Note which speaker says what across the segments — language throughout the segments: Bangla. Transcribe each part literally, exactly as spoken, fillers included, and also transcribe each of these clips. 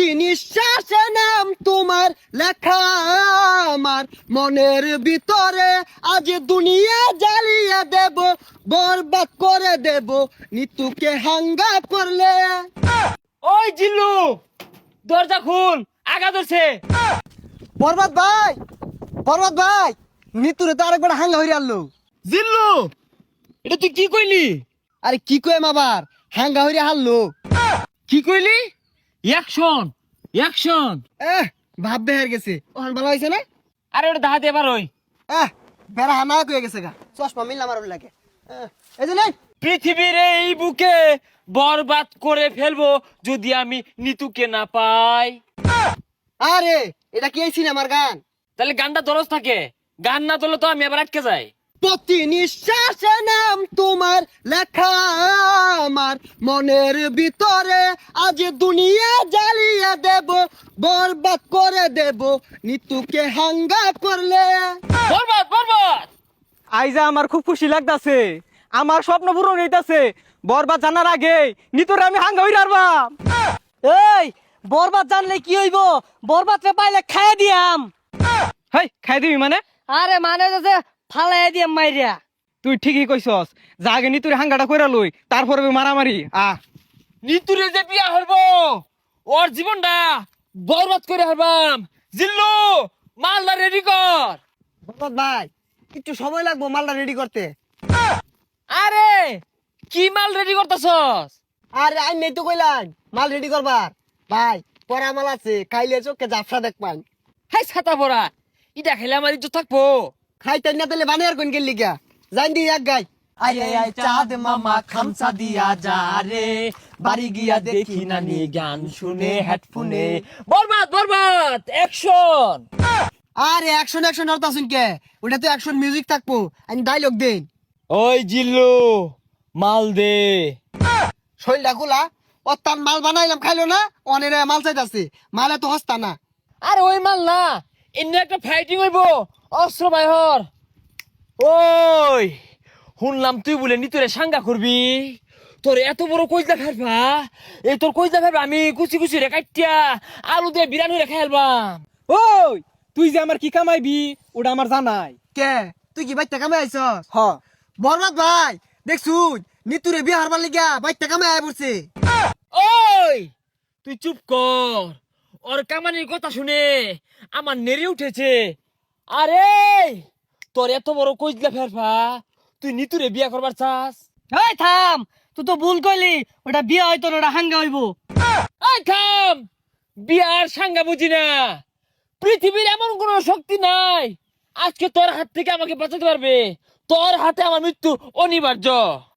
Speaker 1: প্রতি নিঃশ্বাসে নাম তোমার লেখা আমার মনের ভিতরে আজ দুনিয়া জ্বালিয়ে দেব বরবাদ করে দেব নিতুকে হাঙ্গা করলে।
Speaker 2: ওই জিল্লু দরজা খুল, আগা ধরছে।
Speaker 1: বরবাদ ভাই, বরবাদ ভাই, নিতুরে তো আরেকবার হাঙ্গা হইরে আনলো।
Speaker 2: জিল্লু এটা তুই কি কইলি?
Speaker 1: আরে কি কইম আবার, হাঙ্গা হইরে হারলো।
Speaker 2: কি কইলি? Action action.
Speaker 1: এহ ভাব বেহার গেছে, ওখান ভালো হয়েছে না?
Speaker 2: আরে ওটা দাহাতে এবার ওই
Speaker 1: এহ বেড়া হানা কয়ে গেছে গা, চশমা মিললাম আর লাগে। এহ, এই যে নাই
Speaker 2: পৃথিবীর এই বুকে বরবাদ করে ফেলবো যদি আমি নিতুকে না পাই।
Speaker 1: আরে এটা কি এই সিনেমার গান?
Speaker 2: তাহলে গানটা দরজ থাকে, গান না তোলে তো আমি আবার আটকে যাই।
Speaker 1: প্রতি নিঃশ্বাসে নাম তোমার লেখা আমার মনের ভিতরে আজ দুনিয়া জ্বালিয়ে দেব বরবাদ করে দেব নিতুকে হাঙ্গা করলে।
Speaker 2: বরবাদ বরবাদ।
Speaker 3: আইজা আমার খুব খুশি লাগতাছে, আমার স্বপ্ন পূরণ হইতাছে। বরবাদ জানার আগে নিতরে আমি হাঙ্গা হই রারবাম।
Speaker 4: এই বরবাদ জানলে কি হইব? বরবাদ রে পাইলে খাইয়ে দিয়াম।
Speaker 3: হেই খাই দিবি মানে?
Speaker 4: আরে মানে যে ফালাই দিয়াম মাইরিয়া।
Speaker 3: তুই ঠিকই কইছস, যা আগে নিতুরে হাঙ্গাটা কইরা লই, তারপরে মারামারি। আ
Speaker 2: নিতুরে যে বিয়া হরবো ওর জীবনটা বরবাদ করে হারবাম। জিল্লু মালদা রেডি কর।
Speaker 1: বরবাদ ভাই একটু সময় লাগবো মালটা রেডি করতে।
Speaker 2: আরে কি মাল রেডি করতেছস?
Speaker 1: আরে আই নেই তো কইলাম মাল রেডি করবার। ভাই পরা মাল আছে, খাইলে চোখে জাফরা দেখ পান।
Speaker 2: হাই ছাতা পড়া, ইটা খেলে আমার ইজ্জত থাকবো।
Speaker 1: খাইতে না তাহলে বানিয়ার কোন গেলি গা, জান দি এক গাই।
Speaker 2: আরে আই চাঁদ মামা খামসা দিয়া যা রে, বাড়ি গিয়া দেখি নানি গান শুনে হেডফোনে। বরবাদ বরবাদ অ্যাকশন।
Speaker 1: আরে অ্যাকশন অ্যাকশন আর তাসুন কে, ওটা তো অ্যাকশন মিউজিক থাকবো, আমি ডায়লগ দেন।
Speaker 2: ওই জিল্লু মাল দে।
Speaker 1: শৈলটা খোলা, ও তার মাল বানাইলাম খাইলো না, অনেরে মাল চাইতাছে, মালে তো হস্তা না।
Speaker 2: আরে ওই মাল না, এমনি একটা ফাইটিং হইব অস্ত্র বাইহর। ওই শুনলাম তুই বলে নিতরে সাঙ্গা করবি, তোর এত বড় কইজা ফেলবা, এই তোর কইজা ফেলবা আমি কুচি কুচি রে কাটিয়া আলু দিয়ে বিরানি রে খাইলবাম।
Speaker 3: ওই তুই যে আমার কি কামাইবি ওটা আমার জানাই।
Speaker 1: কে তুই কি বাইতে কামে আইছস?
Speaker 3: হ
Speaker 1: বরবাদ ভাই দেখছুন নিতুরে বিয়ে হারবার লিগা বাইতে কামে আয় পড়ছে।
Speaker 2: ওই তুই চুপ কর, ওর কামানির কথা শুনে আমার নেড়ে উঠেছে। আরে তোর এত বড় কইজলা ফেরফা, তুই নিতুরে বিয়া করবার চাস?
Speaker 4: এই থাম, তুই তো ভুল কইলি, ওটা বিয়ে হয়তো না, ওটা হাঙ্গা হইব।
Speaker 2: এই থাম, বিয়ার সাঙ্গা বুঝি না। পৃথিবীর এমন কোন শক্তি নাই আজকে তোর হাত থেকে আমাকে বাঁচাতে পারবে। তোর হাতে আমার মৃত্যু অনিবার্য।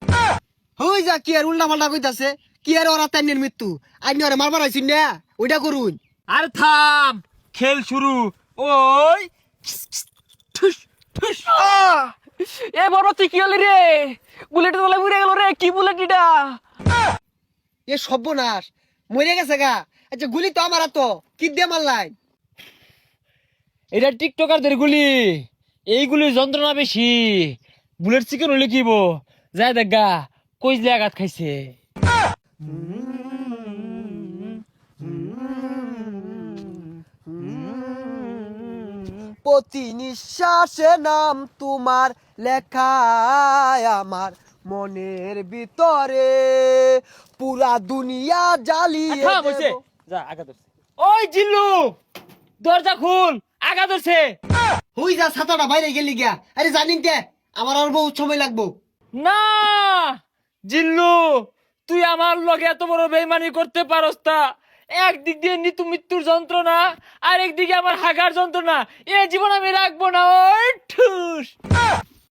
Speaker 1: হই যা কি আর উল্টা পাল্টা কইতাছে, কি আর ওরা তাইনের মৃত্যু, আইনি ওরে মারবার আইছিন না, ওইটা করুন।
Speaker 2: আর থাম, খেল শুরু। ওই ঠুস ঠুস।
Speaker 3: এ বরবাদ তুই কি হলি রে? বুলেট তোলা উড়ে গেল রে, কি বুলেট এটা?
Speaker 1: এ সর্বনাশ, মরে গেছে গা। আচ্ছা গুলি তো আমার তো কি দিয়ে মারলাই?
Speaker 2: এটা টিকটকারদের গুলি, এইগুলির যন্ত্রণা বেশি। বুলেট চিকেন হলে কিব যায় দেখ গা, কইজলে আঘাত খাইছে।
Speaker 1: প্রতি নিঃশ্বাসে নাম তোমার লেখা আমার মনের ভিতরে পুরা দুনিয়া জ্বালিয়ে
Speaker 2: থাম হইছে,
Speaker 1: দেব।
Speaker 2: যা আগা ধরছে। ওই জিল্লু দরজা খুল, আগা ধরছে।
Speaker 1: হই যা ছাতাটা বাইরে গেলি গিয়া, আরে জানিন কে আমার আর বহুত সময় লাগবো।
Speaker 2: না জিল্লু, তুই আমার লগে এত বড় বেইমানি করতে পারস তা? একদিক দিয়ে নিতু মৃত্যুর যন্ত্রণা, আর একদিকে আমার হাগার যন্ত্রণা, এ জীবন আমি রাখবো না। ওই ঠুস।